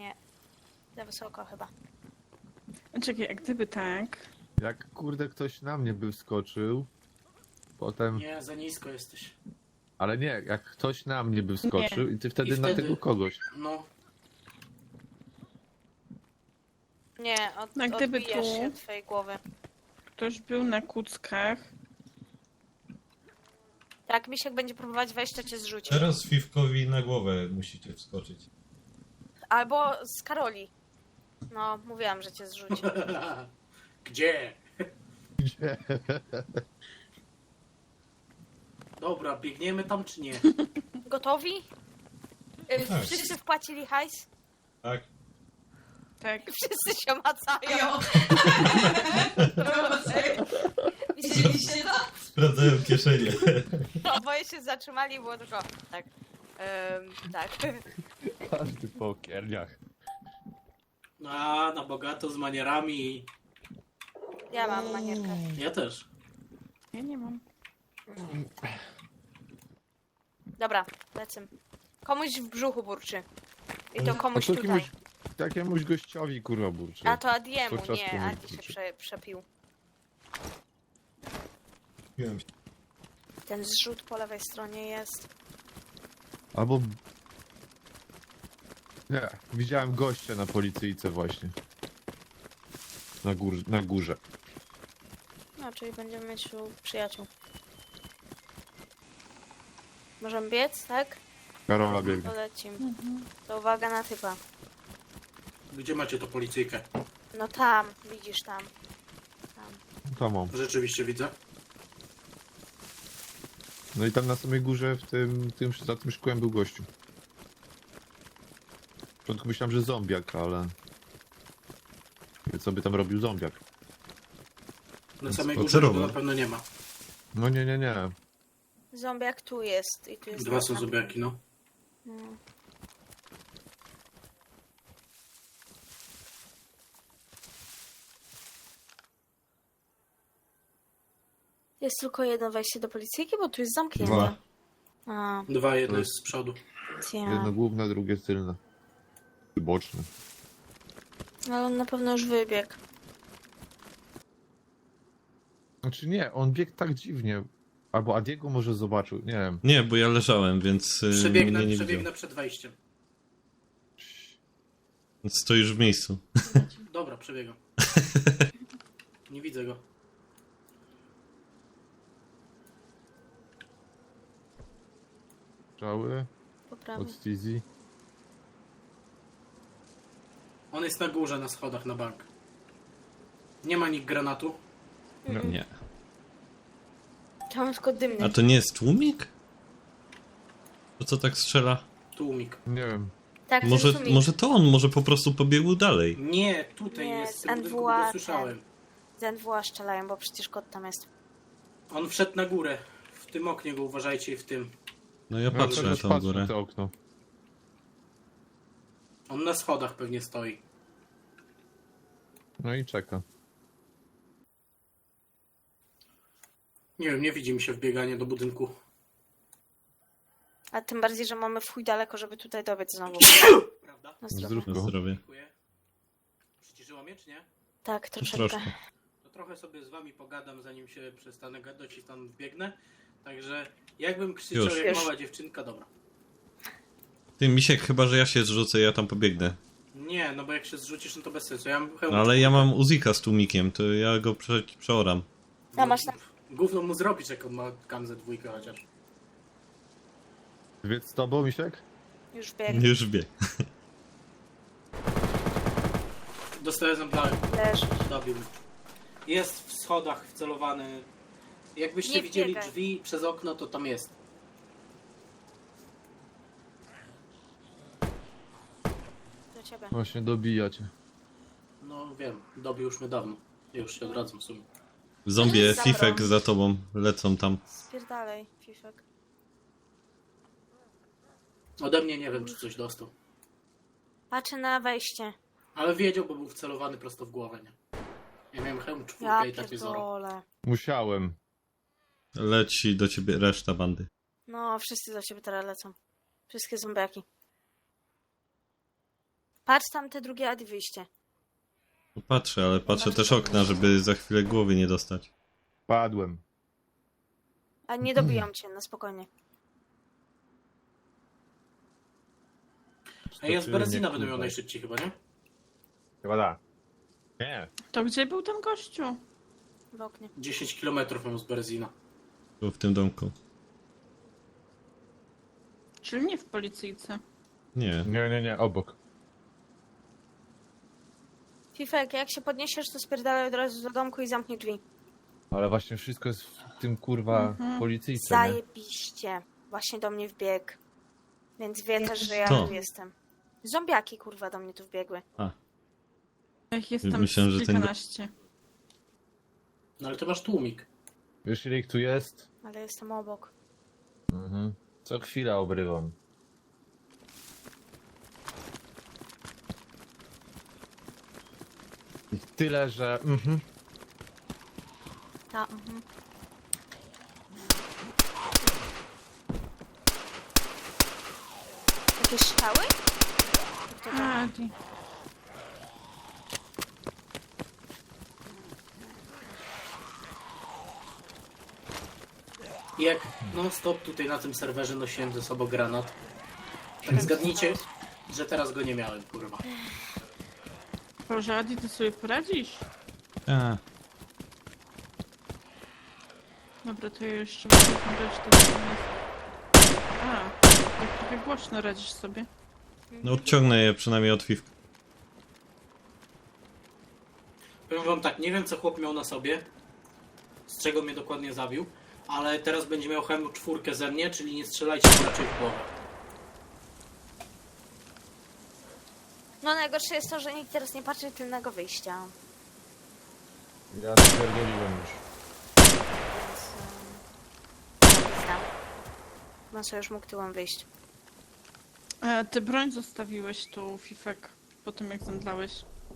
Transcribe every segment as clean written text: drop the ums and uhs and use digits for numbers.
Nie. Za wysoko chyba. Czekaj, jak gdyby tak... Jak kurde ktoś na mnie by wskoczył, potem... Nie, za nisko jesteś. Ale nie, jak ktoś na mnie by wskoczył i ty wtedy na tego kogoś. No, Nie, No, gdyby odbijasz tu- się od twojej głowy. Ktoś był na kuckach. Tak, Misiek będzie próbować wejść, to cię zrzuci. Teraz Fifkowi na głowę musicie wskoczyć. Albo z Karoli. No, mówiłam, że cię zrzuci. gdzie? Gdzie? Dobra, biegniemy tam czy nie? Gotowi? Tak. Wszyscy wpłacili hajs? Tak? Tak. Wszyscy się macają. Widzieliście to? Sprawdzają kieszenie. Oboje się zatrzymali i było tylko tak. Tak. Każdy po kierniach. A, na bogato z manierami. Ja mam manierkę. Ja też. Ja nie mam. Dobra, lecę. Komuś w brzuchu burczy. I to komuś to tutaj. jakiemuś gościowi kurwa burczy. A to Adiemu, Podczas nie. komuś Adi się burczy. przepił. Kupiłem się. Ten zrzut po lewej stronie jest. Albo... Nie, widziałem gościa na policyjce właśnie. Na górze. No, czyli będziemy mieć tu przyjaciół. Możemy biec, tak? Karola biegnie. To lecimy. To uwaga na typa. Gdzie macie to policyjkę? No tam, widzisz tam. Tam. To mam. Rzeczywiście widzę. No i tam na samej górze za tym szkłem był gościu. W początku myślałem, że zombiak, ale... Co by tam robił zombiak? Na samej spacerował. górze tego na pewno nie ma. No nie. Zombiak tu jest i tu jest. Dwa są taka- zombiaki, no. No. Jest tylko jedno wejście do policyjki, bo tu jest zamknięte. Dwa. A, Dwa, jedno jest z przodu. Jedno główne, drugie tylne. Boczne. Ale on na pewno już wybiegł. Znaczy nie, on biegł tak dziwnie. Albo Adiego może zobaczył, nie wiem. Nie, bo ja leżałem, więc Przebiegnę, mnie nie przebiegnę widział. przed wejściem. Stoisz w miejscu. Dobra, przebiegam. Nie widzę go. Strzały Po prawej. od Stizy. On jest na górze, na schodach, na bank. Nie ma nikt granatu. Nie. Chciałam tylko dymny. A to nie jest tłumik? To co tak strzela? Tłumik. Nie wiem. Tak, Może, to jest może to on, może po prostu pobiegł dalej. Nie, tutaj Nie, jest. z W tym budynku NWA go słyszałem. Z NWA strzelają, bo przecież kot tam jest. On wszedł na górę. W tym oknie go uważajcie i w tym. No ja No, patrzę na też tą patrzę górę. na to okno. On na schodach pewnie stoi. No i czeka. Nie wiem, nie widzi mi się wbieganie do budynku. A tym bardziej, że mamy w chuj daleko, żeby tutaj dobiec znowu. Prawda? Na zdrowie. Zdrówko. Na zdrowie. Dziękuję. Przyciszyło mnie, czy nie? Tak, troszeczkę. Troszkę. To trochę sobie z wami pogadam, zanim się przestanę gadać i tam wbiegnę. Także jakbym krzyczał Już. jak Już. mała dziewczynka, dobra. Ty, Misiek, chyba że ja się zrzucę, ja tam pobiegnę. Nie, no bo jak się zrzucisz, no to bez sensu. Ja mam hełm. Ale ja mam Uzika z tłumikiem, to ja go przeoram. A masz tam. Gówno mu zrobić, jak on ma kamzę dwójkę chociaż. Wiedz z tobą, Misiek? Już biegł. Już wie. Dostaję zemdlałem. Leży. Dobił mnie. Jest w schodach wcelowany. Jakbyście Nie widzieli wbiegaj. drzwi przez okno, to tam jest. Do ciebie. Właśnie dobija cię. No wiem, dobił już mnie dawno. Już się odradzam w sumie. Zombie, Zabrał. Fifek za tobą, lecą tam. Spierdalej, Fifek. Ode mnie nie wiem, czy coś dostał. Patrzę na wejście. Ale wiedział, bo był wcelowany prosto w głowę, nie? Ja miałem hełm Ja czwórkę i takie zoro. pierdolę. Musiałem. Leci do ciebie reszta bandy. No, wszyscy do ciebie teraz lecą. Wszystkie zombiaki. Patrz tam te drugie Adi wyjście. Patrzę, ale patrzę też okna, żeby za chwilę głowy nie dostać. Padłem. A nie dobiją cię, na spokojnie. A ja z Berezina Nie, będę miał kurwa. najszybciej chyba, nie? Chyba da. Nie. To gdzie był ten gościu? W oknie. 10 km mam z Berezina. Tu w tym domku. Czyli nie w policyjce. Nie. Nie, obok. Fifek, jak się podniesiesz, to spierdalaj od razu do domku i zamknij drzwi. Ale właśnie wszystko jest w tym kurwa Mhm. policyjce, nie? Zajebiście. Właśnie do mnie wbiegł. Więc wie też, że ja Kto? tu jestem. Zombiaki kurwa do mnie tu wbiegły. Ja ich jestem Myślałem, że ten go- kilkanaście. No ale ty masz tłumik. Wiesz ile ich tu jest? Ale jestem obok. Mhm. Co chwila obrywam. Ich tyle, że... Ta, mhm. Jakieś strzały? Kto to? Adi. I jak non stop tutaj na tym serwerze nosiłem ze sobą granat, tak zgadnijcie, że teraz go nie miałem, kurwa. Boże, Adi, ty sobie poradzisz? A, Dobra, to ja jeszcze muszę dać to do mnie. A, tak trochę głośno radzisz sobie. no odciągnę je przynajmniej od Fifka. Powiem wam tak, nie wiem co chłop miał na sobie, z czego mnie dokładnie zabił, ale teraz będzie miał HM4 ze mnie, czyli nie strzelajcie mu raczej w głowę. No najgorsze jest to, że nikt teraz nie patrzy tylnego wyjścia. Ja spierdoliłem już. Więc... znam. Chyba sobie już mógł tyłem wyjść. Ty broń zostawiłeś tu, Fifek, po tym jak zemdlałeś.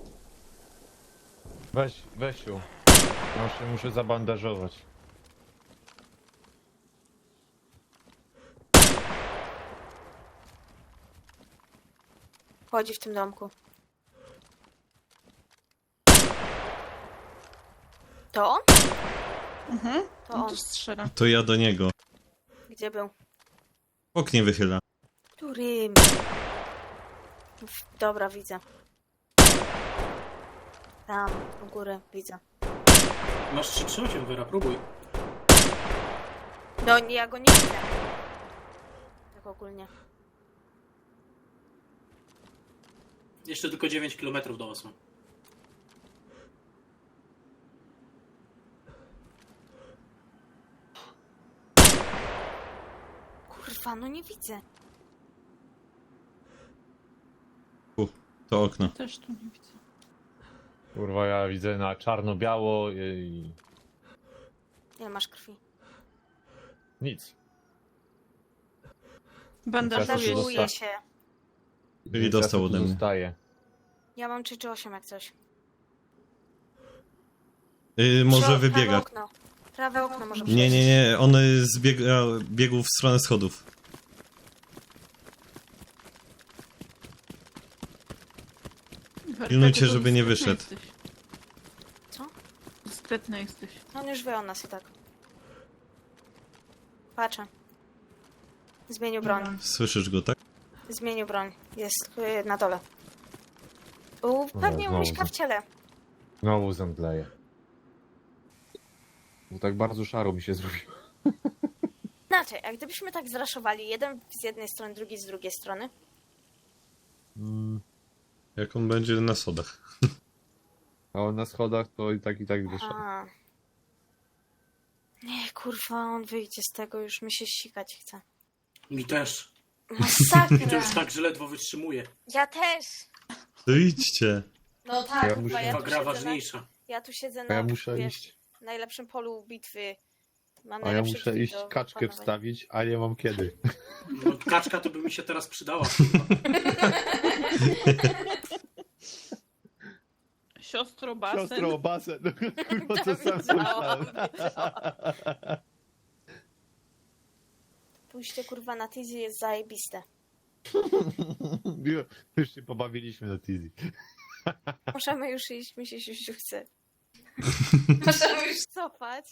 Weź ją. Ja się muszę zabandażować. Chodzi w tym domku. To on? Mhm. To No on. to strzela. To ja do niego. Gdzie był? W oknie wychyla. Którym? Dobra, widzę. Tam, u góry, widzę. Masz 338, Wyra, próbuj. No, ja go nie widzę. Tak ogólnie. Jeszcze tylko 9 km do was mam. Kurwa, no nie widzę. To okno. Też tu nie widzę. Kurwa, ja widzę na czarno-biało i... Ile masz krwi? Nic. Bandażujesz. Zostaw. Bandażuję się. Czyli dostał ode mnie. Zostaje. Ja mam 3 czy 8 jak coś. Może Prawe wybiegać. okno. Prawe okno może Nie. On biegł w stronę schodów. Pilnujcie, żeby nie wyszedł. Co? Dyskretny jesteś. On już wie o nas i tak. Patrzę. Zmienił broń. Słyszysz go, tak? Zmienił broń. Jest na dole. Pewnie znowu mieszka w ciele. Znowu zemdleję. Bo tak bardzo szaro mi się zrobiło. Znaczy, jak gdybyśmy tak zraszowali, jeden z jednej strony, drugi z drugiej strony. Jak on będzie na sodach. A on na schodach to i tak wyszedł. A. Nie, kurwa, on wyjdzie z tego, już mi się sikać chce. Mi też. I to Masakra. już tak, że ledwo wytrzymuję. Ja też. To idźcie. No tak, Ja kurwa, muszę- ja Chyba tu gra siedzę ważniejsza. Ja tu siedzę A na ja muszę wiesz, iść. najlepszym polu bitwy. Mam A ja najlepszy muszę kit iść do kaczkę panowania. wstawić, a nie mam kiedy. No, kaczka to by mi się teraz przydała. Kurwa. Siostro basen. Siostro, basen. Kurwa, to sam Wiedziałam, myślałem. Pójście kurwa na Tizi jest zajebiste. Już się pobawiliśmy na Tizi. Możemy już iść, mi się siusiu chce. Możemy już... Cofać.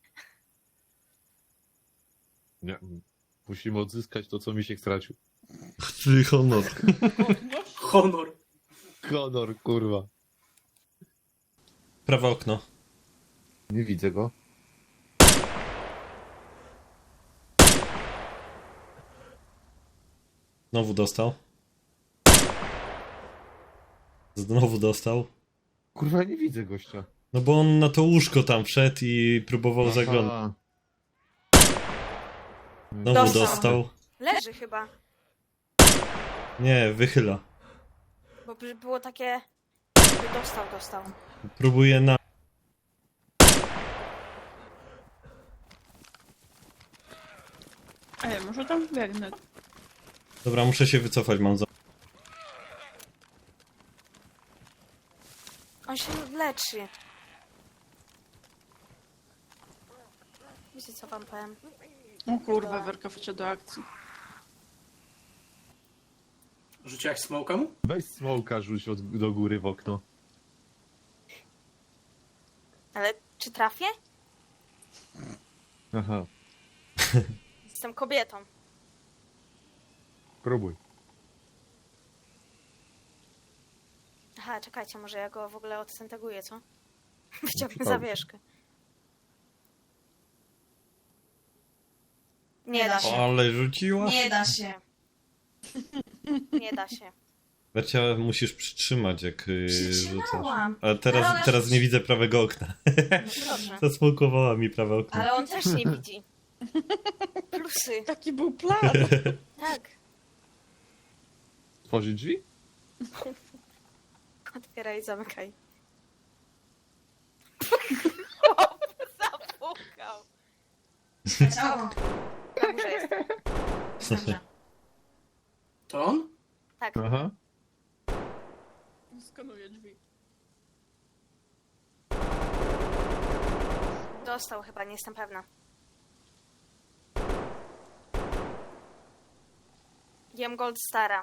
Nie. Musimy odzyskać to, co mi się stracił. Czyli honor. Godność? Honor. Honor, kurwa. Prawe okno. Nie widzę go. Znowu dostał. Znowu dostał. Kurwa, ja nie widzę gościa. No bo on na to łóżko tam wszedł i próbował zaglądać. Aha. Znowu Dostał. dostał. Leży chyba. Nie, wychyla. Bo było takie... Dostał. Próbuje na... Ej, może tam biegnę. Dobra, muszę się wycofać, mam za... On się leczy. Wiecie co wam powiem? O kurwa, Werka wchodzi do akcji. Rzuciłaś smoka mu? Weź smoka, rzuć do góry w okno. Ale czy trafię? Aha, Jestem kobietą. próbuj. Aha, czekajcie, może ja go w ogóle odcenteguję, co? Wyciągnę Dobrze. zawieszkę. Nie da się. Ale rzuciła? Nie da się. Nie da się. Wercia, musisz przytrzymać, jak rzucasz. Przytrzymałam. A Ale teraz, ona teraz nie widzę prawego okna. No dobrze. Zasmokowała mi prawe okno. Ale on też nie widzi. Plusy. Taki był plan. Tak. Tworzyć drzwi? Otwieraj i zamykaj. Chłop zapukał. Ciało. Na górze jest. Dobrze. To on? Tak. Aha. Skanuję drzwi. Dostał chyba, nie jestem pewna. Jem Gold Stara.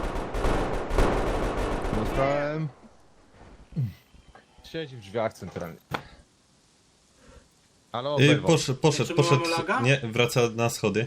Dostałem. Siedzi w drzwiach centralnie. Ale oberwał. Poszedł. Czy mamy laga? Nie, wraca na schody.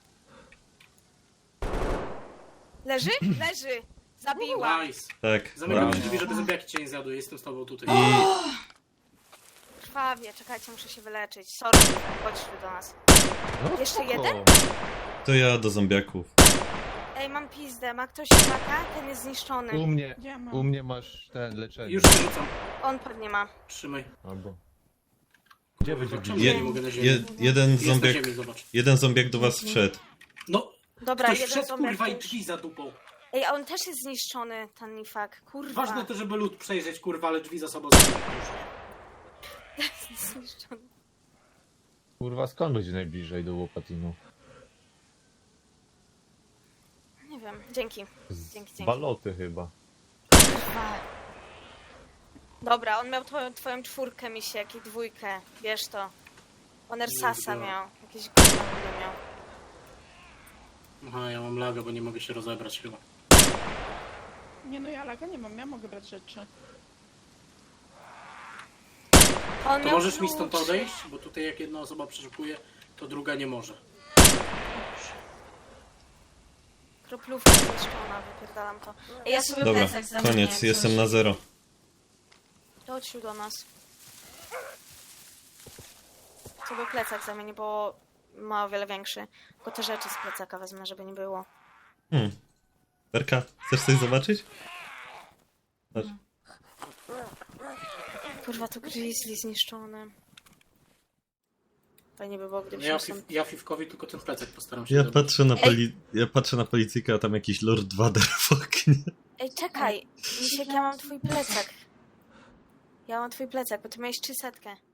Leży? Leży! Zabiła. Nice. Tak. Zamykam brawo. drzwi, żeby zombiaki cię nie zjadły. Jestem z tobą tutaj. I Krwawie, czekajcie, muszę się wyleczyć. Sorry, chodź tu do nas. No, Jeszcze spoko. jeden? to ja do zombiaków. Ej, mam pizdę, ma ktoś taka? Ten jest zniszczony. Ja mam. U mnie masz ten leczenie. Już się rzucam. On pewnie ma. Trzymaj. Albo. Gdzie będzie Czemu bliżej? ja nie mogę na ziemi? Jeden Jest na zombiak, ziemi, zobacz. jeden zombiak do was wszedł. No, Dobra, ktoś jeden wszedł, zombiak kurwa, i już. drzwi za dupą. Ej, a on też jest zniszczony, ten nifak. Kurwa. Ważne to, żeby lód przejrzeć, kurwa, ale drzwi za sobą zamknąć. Zniszczony. Kurwa, skąd będzie najbliżej do Łopatinu? Nie wiem, dzięki. Z Dzięki. baloty chyba. Kurwa. Dobra, on miał twoją czwórkę, misiek, i dwójkę. Bierz to. On Ersasa Dobra. miał. Jakieś gówno nie miał. Aha, ja mam lagę, bo nie mogę się rozebrać chyba. Nie no, ja laga nie mam, ja mogę brać rzeczy. On To miał możesz mi klucz. stąd odejść? Bo tutaj jak jedna osoba przeszukuje, to druga nie może. Kroplówka zniszczona, wypierdalam to. Ej, ja sobie Dobra, plecak zamknięty. koniec, jestem na 0. Chodź tu do nas. Co był plecak zamieni, bo ma o wiele większy. Tylko te rzeczy z plecaka wezmę, żeby nie było. Werka, chcesz coś zobaczyć? Patrz. Kurwa, to grizzly zniszczone. Fajnie by było, gdyby Ja, się stąd... ja Fifkowi tylko ten plecak postaram się Ja zabrać. patrzę na policyjkę, a tam jakiś Lord Vader w oknie. Ej, czekaj! Misiek, ja mam twój plecak. Ja mam twój plecak, bo ty miałeś 300.